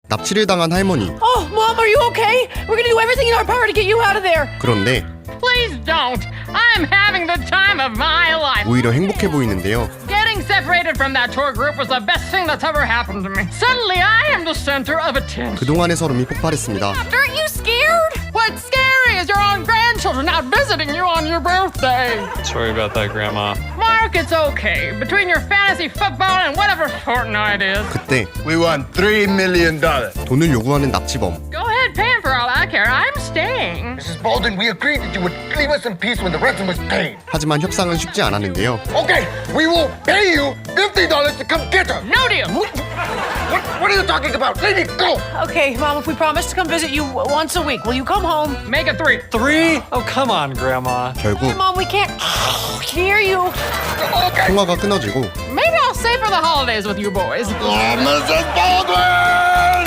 납치를 당한 할머니. Oh, Mom, are you okay? We're gonna do everything in our power to get you out of there. 그런데 Please don't. I'm having the time of my life. 오히려 행복해 보이는데요. Getting separated from that tour group was the best thing that's ever happened to me. Suddenly, I am the center of attention. 그동안의 서름이 폭발했습니다. Aren't you scared? What's scary is your own grandchildren out visiting you on your birthday. Sorry about that, Grandma. Mark, it's okay. Between your fantasy football and whatever Fortnite is. 그때 We want $3 million. 돈을 요구하는 납치범. Go ahead, paying for all I care. I'm staying. Mrs. Bolden, we agreed that you would leave us in peace when the ransom was paid. 하지만 협상은 쉽지 않았는데요. Okay, we will pay you $50 to come get her. No deal. What are you talking about? Lady, go! Okay, Mom, if we promise to come visit you once a week, will you come home? Make it 3. 3? Oh, come on, Grandma. 결국 Mom, we can't hear you. Okay. 통화가 끊어지고 Maybe I'll stay for the holidays with you boys. Oh, Mrs. Baldwin!